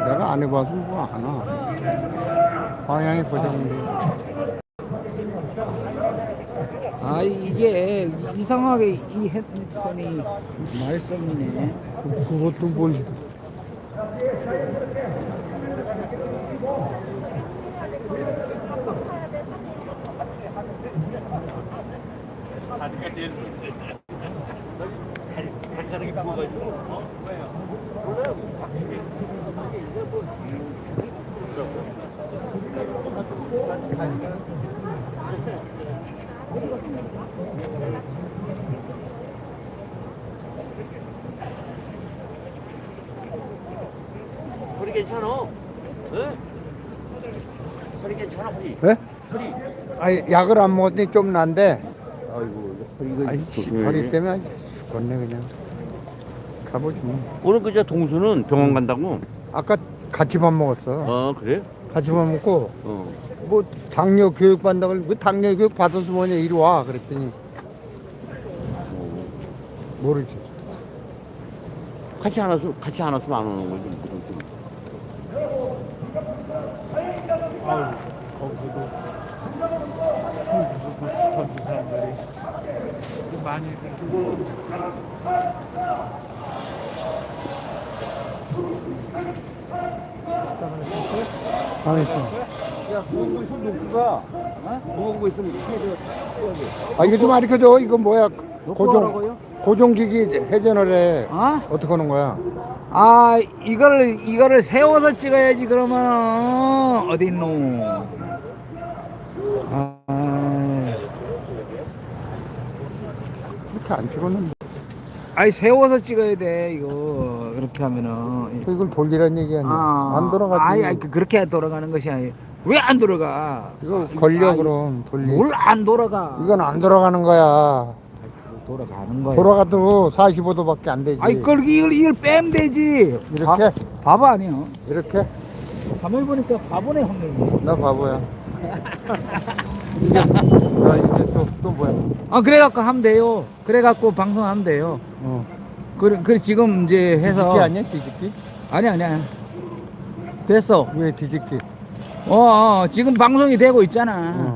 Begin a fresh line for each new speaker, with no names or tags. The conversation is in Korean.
내가 안 해봐서 뭐 하나. 방향이 고정돼.
아, 이게 이상하게 이 핸드폰이 말썽이네.
그것도 뭘.
허리 괜찮아? 응? 허리 괜찮아 허리?
예?
허리.
아니, 약을 안 먹었더니 좀 난데.
아이고 허리가
아이, 허리 때문에 죽겠네, 그냥. 가보지 뭐.
오늘 그저 동수는 병원 간다고?
아까 같이 밥 먹었어.
어 그래?
같이 밥 먹고,
어.
뭐, 당뇨 교육 받는다고, 그 당뇨 교육 받아서 뭐냐, 이리 와. 그랬더니, 모르지.
같이 안 왔으면 안 오는 거지. 무슨
아유, 거기서도 전부 사람들이 많이
안 했어.
야 무거운 거 있으면 놓고 가. 무거운 거 있으면 해줘.
아, 이거 좀 가르쳐줘. 이거 뭐야.
하라고요?
고정기기 회전을 해.
어?
어떻게 하는 거야?
아, 이거를 세워서 찍어야지, 그러면. 어디 있노?
이렇게 안 찍었는데.
아니, 세워서 찍어야 돼, 이거. 그렇게 하면은.
이걸 돌리란 얘기 아니야. 안 돌아가지.
아니, 그렇게 돌아가는 것이 아니에요. 왜 안 돌아가?
이거 걸려,
아이,
그럼. 돌리.
뭘 안 돌아가?
이건 안 돌아가는 거야.
돌아가는 거야.
돌아가도 45도밖에 안 되지.
아이, 이걸 빼면 되지.
이렇게?
바보 아니야.
이렇게?
가만히 보니까 바보네, 형님.
나 바보야. 이제 또 뭐야?
아, 그래갖고 하면 돼요. 그래갖고 방송하면 돼요.
어.
그래, 지금 이제 해서.
뒤집기 아니야? 뒤집기?
아니야. 됐어.
왜 뒤집기?
지금 방송이 되고 있잖아.